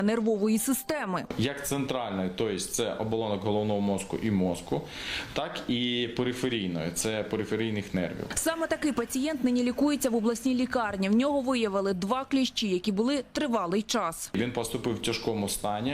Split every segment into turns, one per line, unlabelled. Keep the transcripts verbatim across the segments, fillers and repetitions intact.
нервової системи.
Як центральної, тобто це оболонок головного мозку і мозку, так і периферійної, це периферійних нервів.
Саме такий пацієнт нині лікується в обласній лікарні. В нього виявили два кліщі, які були тривалий час.
Він поступив в тяжкому стані,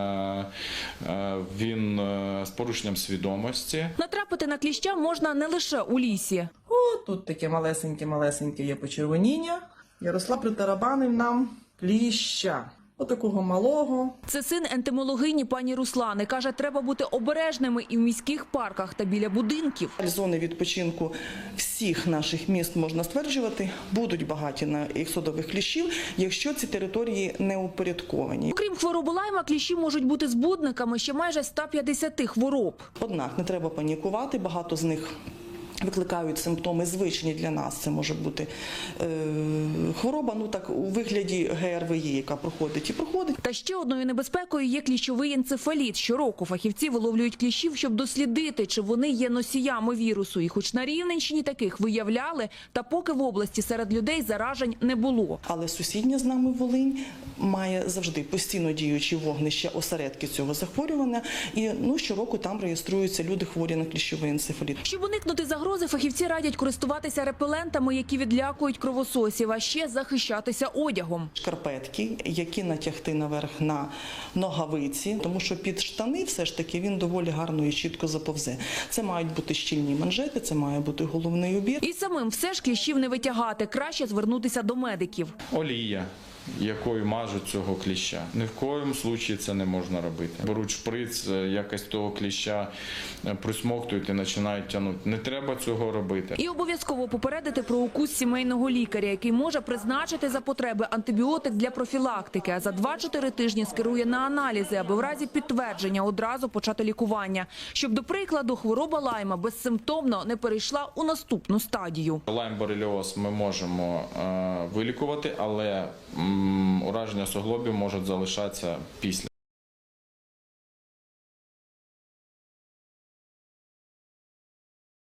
він з порушенням свідомості.
Натрапити на кліща можна не лише у лісі.
О, тут таке малесеньке-малесеньке є почервоніння. Ярослав притарабанив нам кліща. Отакого малого.
Це син ентомологині пані Руслани. Каже, треба бути обережними і в міських парках та біля будинків.
Зони відпочинку всіх наших міст, можна стверджувати, будуть багаті на іксодових кліщів, якщо ці території не упорядковані.
Окрім хвороби Лайма, кліщі можуть бути збудниками ще майже ста п'ятдесяти хвороб.
Однак не треба панікувати, багато з них викликають симптоми звичні для нас. Це може бути е, хвороба, ну так у вигляді ге ер ве є, яка проходить і проходить.
Та ще одною небезпекою є кліщовий енцефаліт. Щороку фахівці виловлюють кліщів, щоб дослідити, чи вони є носіями вірусу. І хоч на Рівненщині таких виявляли, та поки в області серед людей заражень не було.
Але сусідня з нами Волинь має завжди постійно діючі вогнища, осередки цього захворювання. І ну, щороку там реєструються люди хворі на кліщовий енцефаліт.
Щоб уникнути загрози, фахівці радять користуватися репелентами, які відлякують кровососів, а ще захищатися одягом.
Шкарпетки, які натягти наверх на ногавиці, тому що під штани все ж таки він доволі гарно і чітко заповзе. Це мають бути щільні манжети, це має бути головний убір.
І самим все ж кліщів не витягати, краще звернутися до медиків.
Олія, якою мажуть цього кліща. Ні в коєму случаї це не можна робити. Беруть шприц, якось того кліща присмоктують і починають тягнути. Не треба цього робити.
І обов'язково попередити про укус сімейного лікаря, який може призначити за потреби антибіотик для профілактики, а за два-чотири тижні скерує на аналізи, аби в разі підтвердження одразу почати лікування. Щоб, до прикладу, хвороба Лайма безсимптомно не перейшла у наступну стадію.
Лайм-бореліоз ми можемо е, вилікувати, але м, ураження суглобів можуть залишатися після.